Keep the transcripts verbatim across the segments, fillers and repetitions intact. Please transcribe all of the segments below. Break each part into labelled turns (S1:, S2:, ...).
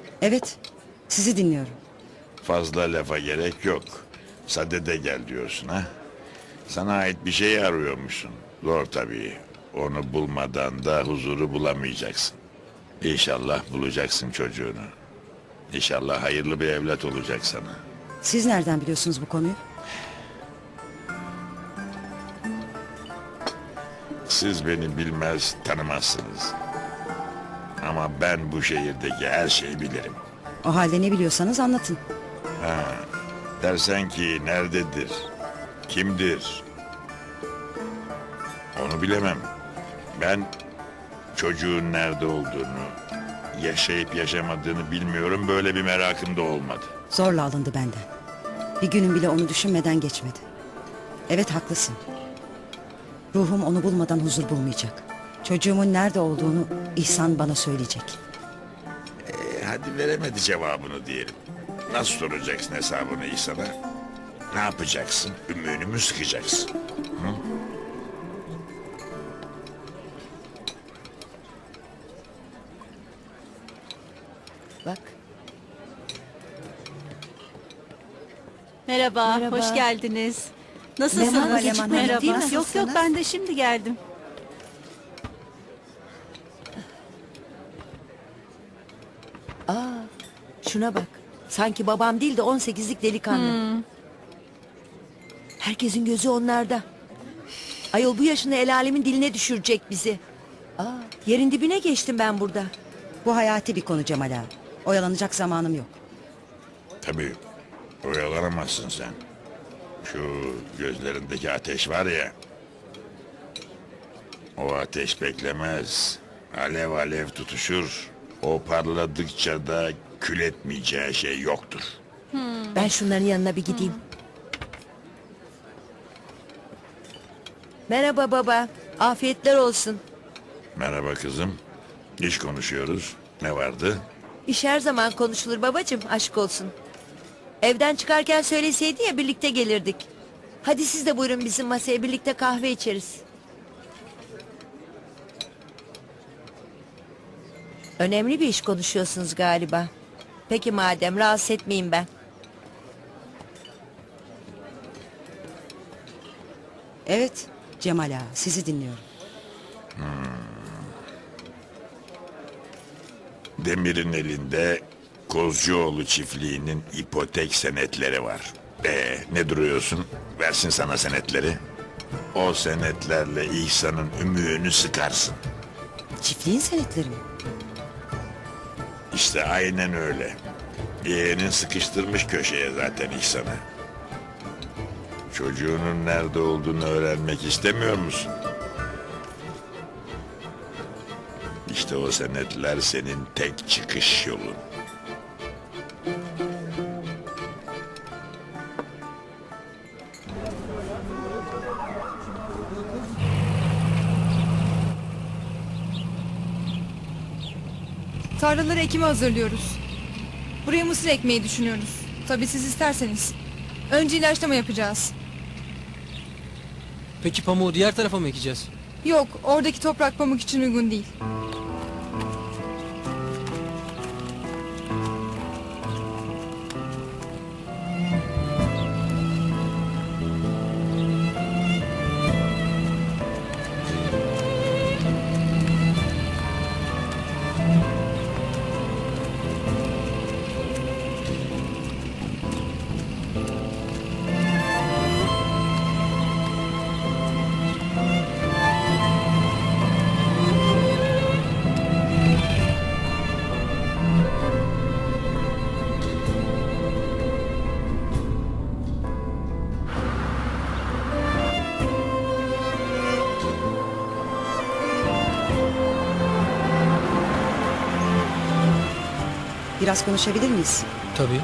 S1: Evet, sizi dinliyorum.
S2: Fazla lafa gerek yok. Sadede gel diyorsun ha. Sana ait bir şey arıyormuşsun. Zor tabii. Onu bulmadan da huzuru bulamayacaksın. İnşallah bulacaksın çocuğunu. İnşallah hayırlı bir evlat olacak sana.
S1: Siz nereden biliyorsunuz bu konuyu?
S2: Siz beni bilmez, tanımazsınız. Ama ben bu şehirdeki her şeyi bilirim.
S1: O halde ne biliyorsanız anlatın.
S2: Dersen ki nerededir, kimdir? Onu bilemem. Ben çocuğun nerede olduğunu, yaşayıp yaşamadığını bilmiyorum. Böyle bir merakım da olmadı.
S1: Zorla alındı benden. Bir günüm bile onu düşünmeden geçmedi. Evet, haklısın. Ruhum onu bulmadan huzur bulmayacak. Çocuğumun nerede olduğunu İhsan bana söyleyecek.
S2: E, hadi veremedi cevabını diyelim. Nasıl soracaksın hesabını İhsan'a? Ne yapacaksın? Ümüğünü mü sıkacaksın? Hı?
S1: Bak.
S3: Merhaba,
S4: Merhaba.
S3: hoş geldiniz. Nasılsınız?
S4: Leman var, Leman Hanım,
S3: Merhaba.
S4: değil mi?
S3: Yok yok,
S4: Nasılsınız?
S3: ben de şimdi geldim.
S4: Şuna bak. Sanki babam değil de on sekizlik delikanlı.
S3: Hmm.
S4: Herkesin gözü onlarda. Ayol bu yaşında el alemin diline düşürecek bizi. Aa, yerin dibine geçtim ben burada.
S1: Bu hayati bir konu Cemal ağa. Oyalanacak zamanım yok.
S2: Tabii oyalanamazsın sen. Şu gözlerindeki ateş var ya. O ateş beklemez. Alev alev tutuşur. O parladıkça da kül etmeyeceği şey yoktur.
S4: Ben şunların yanına bir gideyim. Merhaba baba. Afiyetler olsun.
S2: Merhaba kızım. İş konuşuyoruz. Ne vardı?
S4: İş her zaman konuşulur babacığım, aşk olsun. Evden çıkarken söyleseydi ya, birlikte gelirdik. Hadi siz de buyurun bizim masaya, birlikte kahve içeriz. Önemli bir iş konuşuyorsunuz galiba. Peki madem, rahatsız etmeyeyim ben.
S1: Evet Cemal ağa, sizi dinliyorum.
S2: Demir'in elinde Kozcuoğlu çiftliğinin ipotek senetleri var. Ee, ne duruyorsun? Versin sana senetleri. O senetlerle İhsan'ın ümüğünü sıkarsın.
S1: Çiftliğin senetleri mi?
S2: İşte aynen öyle. Yeğenin sıkıştırmış köşeye zaten İhsan'ı. Çocuğunun nerede olduğunu öğrenmek istemiyor musun? İşte o senetler senin tek çıkış yolun.
S5: Tarlaları ekime hazırlıyoruz. Buraya mısır ekmeyi düşünüyoruz. Tabii siz isterseniz. Önce ilaçlama yapacağız.
S6: Peki pamuğu diğer tarafa mı ekeceğiz?
S5: Yok, oradaki toprak pamuk için uygun değil.
S1: Biraz konuşabilir miyiz?
S6: Tabii.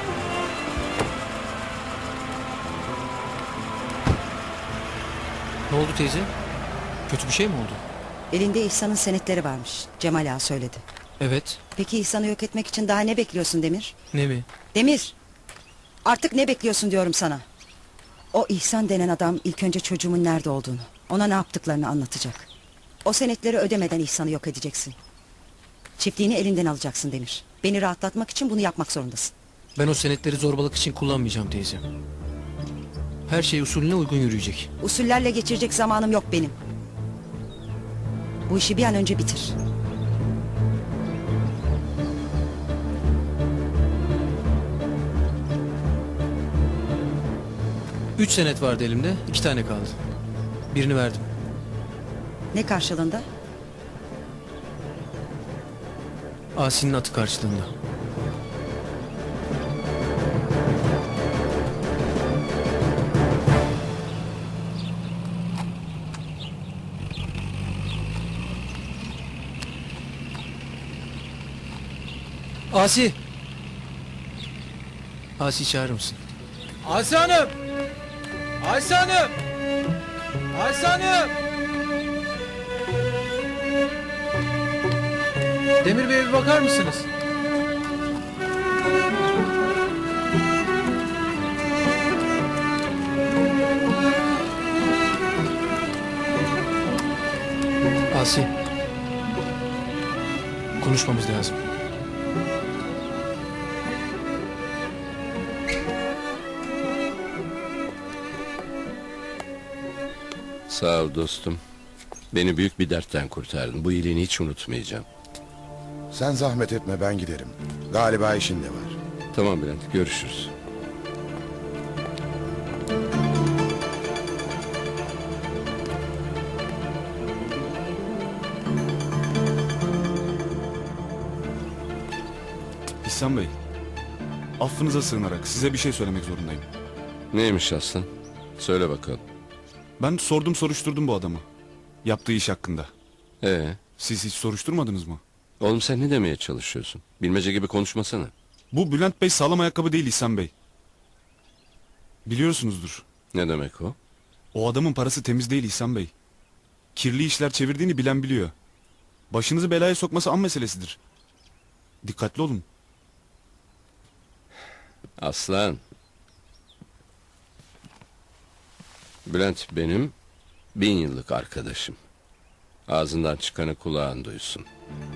S6: Ne oldu teyze? Kötü bir şey mi oldu?
S1: Elinde İhsan'ın senetleri varmış. Cemal ağa söyledi.
S6: Evet.
S1: Peki İhsan'ı yok etmek için daha ne bekliyorsun Demir?
S6: Ne mi?
S1: Demir! Artık ne bekliyorsun diyorum sana. O İhsan denen adam ilk önce çocuğumun nerede olduğunu, ona ne yaptıklarını anlatacak. O senetleri ödemeden İhsan'ı yok edeceksin. Çiftliğini elinden alacaksın Demir. Beni rahatlatmak için bunu yapmak zorundasın.
S6: Ben o senetleri zorbalık için kullanmayacağım teyze. Her şey usulüne uygun yürüyecek.
S1: Usullerle geçirecek zamanım yok benim. Bu işi bir an önce bitir.
S6: Üç senet vardı elimde, iki tane kaldı. Birini verdim.
S1: Ne karşılığında?
S6: Asi'nin atı karşılığında. Asi! Asi çağırır mısın?
S7: Ayşe Hanım! Ayşe Hanım! Ayşe Hanım! Demir Bey'e bir bakar mısınız?
S6: Asi. Konuşmamız lazım.
S8: Sağ ol dostum. Beni büyük bir dertten kurtardın. Bu iyiliğini hiç unutmayacağım.
S9: Sen zahmet etme, ben giderim. Galiba işin de var.
S8: Tamam Bülent, görüşürüz.
S10: İhsan Bey, affınıza sığınarak size bir şey söylemek zorundayım.
S8: Neymiş aslan? Söyle bakalım.
S10: Ben sordum soruşturdum bu adamı. Yaptığı iş hakkında.
S8: Ee,
S10: Siz hiç soruşturmadınız mı?
S8: oğlum sen ne demeye çalışıyorsun? Bilmece gibi konuşmasana.
S10: Bu Bülent Bey sağlam ayakkabı değil İhsan Bey. Biliyorsunuzdur.
S8: Ne demek o?
S10: O adamın parası temiz değil İhsan Bey. Kirli işler çevirdiğini bilen biliyor. Başınızı belaya sokması an meselesidir. Dikkatli olun.
S8: Aslan. Bülent benim bin yıllık arkadaşım. Ağzından çıkanı kulağın duysun.